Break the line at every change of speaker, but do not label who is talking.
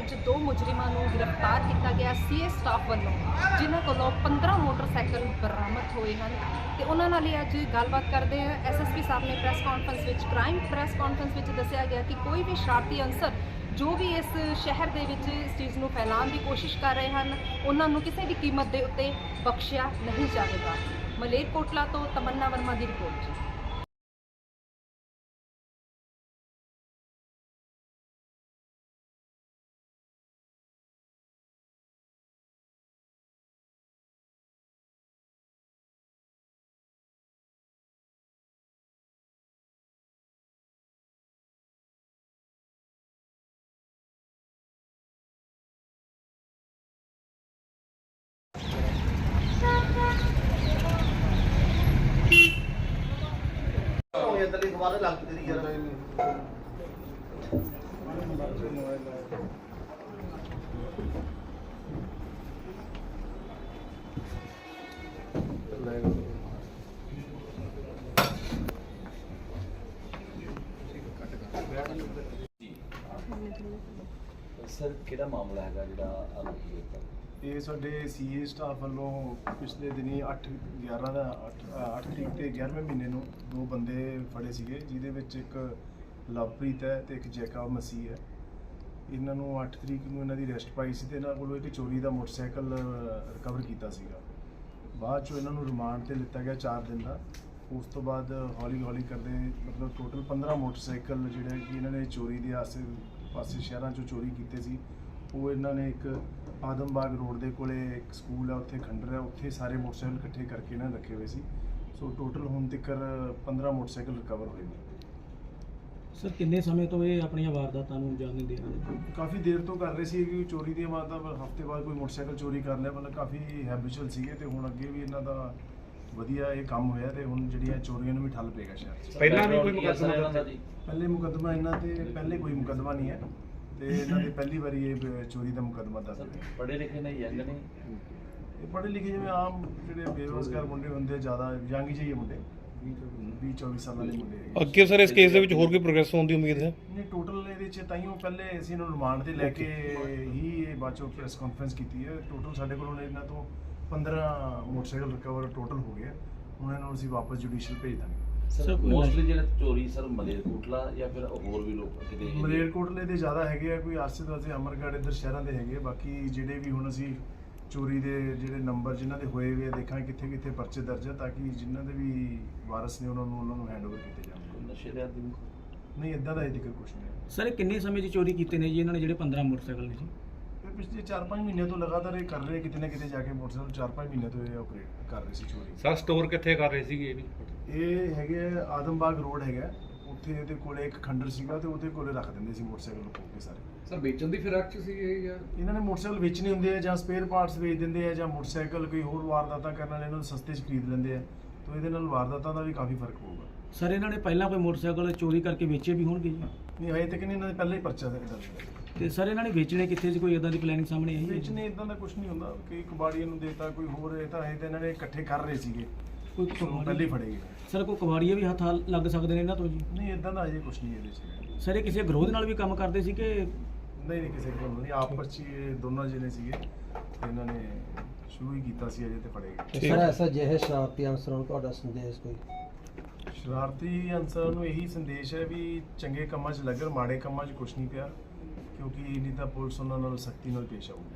ਅੱਜ 2 ਮੁਜਰਮਾਂ ਨੂੰ गिरफ्तार किया गया सीए स्टाफ वालों, जिन्हों को 15 मोटरसाइकिल बरामद हुए हैं। तो उन्होंने ही अज गलबात करते हैं। SSP साहब ने प्रैस कॉन्फ्रेंस में क्राइम प्रैस कॉन्फ्रेंस में दसिया गया कि कोई भी शरारती अंसर जो भी इस शहर के इस चीज़ को फैलाने की कोशिश कर रहे हैं, उन्होंने किसी भी कीमत के उत्ते बख्शिया नहीं जाएगा। मलेरकोटला तो तमन्ना वर्मा की रिपोर्ट जी।
सर किहड़ा मामला है जिहड़ा
ये साडे सीए स्टाफ वालों पिछले दिनी 8/11 ਦਾ 8 तरीक ਤੇ 11ਵੇਂ ਮਹੀਨੇ ਨੂੰ 2 ਬੰਦੇ ਫੜੇ ਸੀਗੇ, ਜਿਹਦੇ ਵਿੱਚ ਇੱਕ ਲਵਪ੍ਰੀਤ ਹੈ ਤੇ ਇੱਕ ਜੈਕਬ ਮਸੀਹ ਹੈ। ਇਹਨਾਂ ਨੂੰ 8 ਤਰੀਕ ਨੂੰ ਇਹਨਾਂ ਦੀ ਅਰੈਸਟ ਪਾਈ ਸੀ ਤੇ ਇਹਨਾਂ ਕੋਲੋਂ ਇੱਕ ਚੋਰੀ ਦਾ ਮੋਟਰਸਾਈਕਲ ਰਿਕਵਰ ਕੀਤਾ ਸੀਗਾ। ਬਾਅਦ ਚੋਂ ਇਹਨਾਂ ਨੂੰ ਰਿਮਾਂਡ ਤੇ ਲਿੱਤਾ ਗਿਆ 4 ਦਿਨ ਦਾ। ਉਸ ਤੋਂ ਬਾਅਦ ਹੌਲੀ ਹੌਲੀ ਕਰਦੇ ਮਤਲਬ ਟੋਟਲ 15 ਮੋਟਰਸਾਈਕਲ ਜਿਹੜੇ ਕਿ ਇਹਨਾਂ ਨੇ ਚੋਰੀ ਦੇ ਆਸੇ ਪਾਸੇ ਸ਼ਹਿਰਾਂ 'ਚੋਂ ਚੋਰੀ ਕੀਤੇ ਸੀ। ਉਹ ਇਹਨਾਂ ਨੇ ਇੱਕ ਆਦਮਬਾਗ ਰੋਡ ਦੇ ਕੋਲੇ ਇੱਕ ਸਕੂਲ ਹੈ, ਉੱਥੇ ਖੰਡਰ ਹੈ, ਉੱਥੇ ਸਾਰੇ ਮੋਟਰਸਾਈਕਲ ਇਕੱਠੇ ਕਰਕੇ ਇਹਨਾਂ ਨੇ ਰੱਖੇ ਹੋਏ ਸੀ। ਸੋ ਟੋਟਲ ਹੁਣ ਤੱਕ 15 ਮੋਟਰਸਾਈਕਲ ਰਿਕਵਰ ਹੋਏ ਨੇ।
ਸਰ ਕਿੰਨੇ ਸਮੇਂ ਤੋਂ ਇਹ ਆਪਣੀਆਂ ਵਾਰਦਾਤਾਂ ਨੂੰ ਅੰਜਾਮ ਦਿੰਦੇ ਹਨ?
ਕਾਫੀ ਦੇਰ ਤੋਂ ਕਰ ਰਹੇ ਸੀ ਕਿ ਚੋਰੀ ਦੀਆਂ ਵਾਰਦਾਤਾਂ ਹਫ਼ਤੇ ਬਾਅਦ ਕੋਈ ਮੋਟਰਸਾਈਕਲ ਚੋਰੀ ਕਰ ਲਿਆ, ਮਤਲਬ ਕਾਫੀ ਹੈਬਿਚੁਅਲ ਸੀਗੇ ਤੇ ਹੁਣ ਅੱਗੇ ਵੀ ਇਹਨਾਂ ਦਾ ਵਧੀਆ ਇਹ ਕੰਮ ਹੋਇਆ ਤੇ ਹੁਣ ਜਿਹੜੀਆਂ ਚੋਰੀਆਂ ਨੂੰ ਵੀ ਠੱਲ ਪਏਗਾ ਸ਼ਹਿਰ 'ਚ।
ਪਹਿਲਾਂ ਵੀ ਕੋਈ ਮੁਕੱਦਮਾ ਜੀ?
ਪਹਿਲੇ ਮੁਕੱਦਮਾ ਇਹਨਾਂ ਤੇ ਪਹਿਲੇ ਕੋਈ ਮੁਕੱਦਮਾ ਨਹੀਂ ਹੈ ਤੇ ਇਹਨਾਂ ਦੇ ਪਹਿਲੀ ਵਾਰੀ ਇਹ ਚੋਰੀ ਦਾ ਮੁਕੱਦਮਾ ਦੱਸ ਰਹੇ।
ਪੜ੍ਹੇ ਲਿਖੇ ਨਹੀਂ ਯੰਗ ਨੇ?
ਇਹ ਪੜ੍ਹੇ ਲਿਖੇ ਜਿਵੇਂ ਆਮ ਜਿਹੜੇ ਬੇਰੁਜ਼ਗਾਰ ਮੁੰਡੇ ਹੁੰਦੇ, ਜ਼ਿਆਦਾ ਯੰਗ ਜਿਹੇ ਮੁੰਡੇ 20-24 ਸਾਲਾਂ ਦੇ ਮੁੰਡੇ ਹੈਗੇ।
ਅੱਗੇ ਸਰ ਇਸ ਕੇਸ ਦੇ ਵਿੱਚ ਹੋਰ ਕੋਈ ਪ੍ਰੋਗਰੈਸ ਹੋਣ ਦੀ ਉਮੀਦ ਹੈ?
ਨਹੀਂ, ਟੋਟਲ ਇਹਦੇ 'ਚ ਤਾਈਓ ਪਹਿਲੇ ਅਸੀਂ ਇਹਨੂੰ ਰਿਮਾਂਡ ਤੇ ਲੈ ਕੇ ਹੀ ਇਹ ਬਾਅਦ ਚੋਂ ਪ੍ਰੈਸ ਕਾਨਫਰੰਸ ਕੀਤੀ ਹੈ। ਟੋਟਲ ਸਾਡੇ ਕੋਲੋਂ ਇਹਨਾਂ ਤੋਂ 15 ਮੋਟਰਸਾਈਕਲ ਰਿਕਵਰ ਟੋਟਲ ਹੋ ਗਏ। ਹੁਣ ਇਹਨਾਂ ਨੂੰ ਅਸੀਂ ਵਾਪਸ ਜੁਡੀਸ਼ੀਅਲ ਭੇਜ ਦਾਂਗੇ।
ਸਰ ਮੋਸਟਲੀ ਜਿਹੜਾ ਚੋਰੀ ਸਰ ਮਲੇਰਕੋਟਲਾ ਜਾਂ ਫਿਰ ਹੋਰ ਵੀ ਲੋਕ ਕਿਤੇ?
ਮਲੇਰਕੋਟਲੇ ਦੇ ਜ਼ਿਆਦਾ ਹੈਗੇ ਆ, ਕੋਈ ਆਸੇ-ਪਾਸੇ ਅਮਰਗੜ੍ਹ ਇੱਧਰ ਸ਼ਹਿਰਾਂ ਦੇ ਹੈਗੇ। ਬਾਕੀ ਜਿਹੜੇ ਵੀ ਹੁਣ ਅਸੀਂ ਚੋਰੀ ਦੇ ਜਿਹੜੇ ਨੰਬਰ ਜਿਨ੍ਹਾਂ ਦੇ ਹੋਏ ਹੋਏ ਦੇਖਾਂਗੇ ਕਿੱਥੇ ਕਿੱਥੇ ਪਰਚੇ ਦਰਜ ਹੈ, ਤਾਂ ਕਿ ਜਿਨ੍ਹਾਂ ਦੇ ਵੀ ਵਾਰਸ ਨੇ ਉਹਨਾਂ ਨੂੰ ਹੈਂਡਓਵਰ ਕੀਤੇ ਜਾਣ।
ਨਸ਼ੇ ਦੇ ਆਦੀ
ਨਹੀਂ, ਇੱਦਾਂ ਦਾ ਇਹ ਜ਼ਿਕਰ ਕੁਛ ਨਹੀਂ ਹੈ।
ਸਰ ਇਹ ਕਿੰਨੇ ਸਮੇਂ 'ਚ ਚੋਰੀ ਕੀਤੇ ਨੇ ਜੀ ਇਹਨਾਂ ਨੇ ਜਿਹੜੇ 15 ਮੋਟਰਸਾਈਕਲ ਨੇ ਜੀ?
ਇਹ ਪਿਛਲੇ 4-5 ਮਹੀਨੇ ਤੋਂ ਲਗਾਤਾਰ ਇਹ ਕਰ ਰਹੇ, ਕਿਤੇ ਨਾ ਕਿਤੇ ਜਾ ਕੇ ਮੋਟਰਸਾਈਕਲ 4-5 ਮਹੀਨੇ ਤੋਂ ਇਹ ਆਪਰੇਟ ਕਰ ਰਹੇ ਸੀ ਚੋਰੀ।
ਸਰ ਸਟੋਰ ਕਿੱਥੇ ਕਰ ਰਹੇ ਸੀਗੇ ਇਹ ਵੀ?
ਇਹ ਹੈਗੇ ਆਦਮਬਾਗ ਰੋਡ ਹੈਗਾ, ਉੱਥੇ ਇਹਦੇ ਕੋਲੇ ਇੱਕ ਖੰਡਰ ਸੀਗਾ ਤੇ ਉਹਦੇ ਕੋਲੇ ਰੱਖ ਦਿੰਦੇ ਸੀ ਮੋਟਰਸਾਈਕਲ ਲੁਕੋ ਕੇ ਸਾਰੇ।
ਸਰ ਵੇਚਣ ਦੀ ਫਿਰਾਕ 'ਚ ਸੀ ਇਹ ਜਾਂ
ਇਹਨਾਂ ਨੇ ਮੋਟਰਸਾਈਕਲ ਵੇਚਣੇ ਹੁੰਦੇ ਆ ਜਾਂ ਸਪੇਅਰ ਪਾਰਟਸ ਵੇਚ ਦਿੰਦੇ ਆ ਜਾਂ ਮੋਟਰਸਾਈਕਲ ਕੋਈ ਹੋਰ ਵਾਰਦਾਤਾਂ ਕਰਨ ਵਾਲੇ ਇਹਨਾਂ ਨੂੰ ਸਸਤੇ 'ਚ ਖਰੀਦ ਲੈਂਦੇ ਆ। ਤਾਂ ਇਹਦੇ ਨਾਲ ਵਾਰਦਾਤਾਂ ਦਾ ਵੀ ਕਾਫੀ ਫਰਕ ਪਊਗਾ।
ਸਰ ਇਹਨਾਂ ਨੇ ਪਹਿਲਾਂ ਕੋਈ ਮੋਟਰਸਾਈਕਲ ਚੋਰੀ ਕਰਕੇ ਵੇਚੇ ਵੀ ਹੋਣਗੇ ਜੀ?
ਨਹੀਂ, ਹਜੇ ਤੱਕ ਨਹੀਂ, ਇਹਨਾਂ ਦੇ ਪਹਿਲਾਂ ਹੀ ਪਰਚਾ ਦਰਜ ਹੈ।
ਤੇ ਸਰ ਇਹਨਾਂ ਨੇ ਵੇਚਣੇ ਕਿੱਥੇ ਸੀ? ਕੋਈ ਇਦਾਂ ਦੀ ਪਲੈਨਿੰਗ ਸਾਹਮਣੇ ਆਈ ਹੈ?
ਵੇਚਣੇ ਇਦਾਂ ਦਾ ਕੁਝ ਨਹੀਂ ਹੁੰਦਾ ਕਿ ਕਬਾੜੀਆਂ ਨੂੰ ਦੇਤਾ ਕੋਈ ਹੋਰ। ਇਹ ਤਾਂ ਇਹਨਾਂ ਨੇ ਇਕੱਠੇ ਕਰ ਰਹੇ ਸੀਗੇ,
ਕੋਈ
ਪਹਿਲੇ ਹੀ ਫੜੇ ਗਏ।
ਸਰ ਕੋਈ ਕਬਾੜੀਏ ਵੀ ਹੱਥ ਲੱਗ ਸਕਦੇ ਨੇ ਇਹਨਾਂ ਤੋਂ ਜੀ?
ਨਹੀਂ, ਇਦਾਂ ਦਾ ਅਜੇ ਕੁਝ ਨਹੀਂ ਇਹਦੇ 'ਚ।
ਸਰ ਇਹ ਕਿਸੇ ਗਰੋਹ ਦੇ ਨਾਲ ਵੀ ਕੰਮ ਕਰਦੇ ਸੀ ਕਿ?
ਨਹੀਂ, ਕਿਸੇ ਕੋਲ ਨਹੀਂ, ਆਪਸ 'ਚ ਹੀ ਇਹ ਦੋਨੋਂ ਜਿਹਨੇ ਸੀਗੇ ਤੇ ਇਹਨਾਂ ਨੇ ਸ਼ੁਰੂ ਹੀ ਕੀਤਾ ਸੀ, ਅਜੇ ਤੇ ਫੜੇ ਗਏ।
ਸਰ ਐਸਾ ਜਿਹੇ ਸ਼ਰਾਰਤੀ ਅਨਸਰਾਂ ਨੂੰ ਤੁਹਾਡਾ ਸੰਦੇਸ਼ ਕੋਈ?
ਸ਼ਰਾਰਤੀ ਅਨਸਰਾਂ ਨੂੰ ਇਹੀ ਸੰਦੇਸ਼ ਹੈ ਵੀ ਚੰਗੇ ਕੰਮਾਂ 'ਚ ਲੱਗਣ, ਮਾੜੇ ਕੰਮਾਂ 'ਚ ਕੁਝ ਨਹੀਂ ਪਿਆ, ਕਿਉਂਕਿ ਨਹੀਂ ਤਾਂ ਪੁਲਿਸ ਉਹਨਾਂ ਨਾਲ ਸਖਤੀ ਨਾਲ ਪੇਸ਼ ਆਊਗੀ।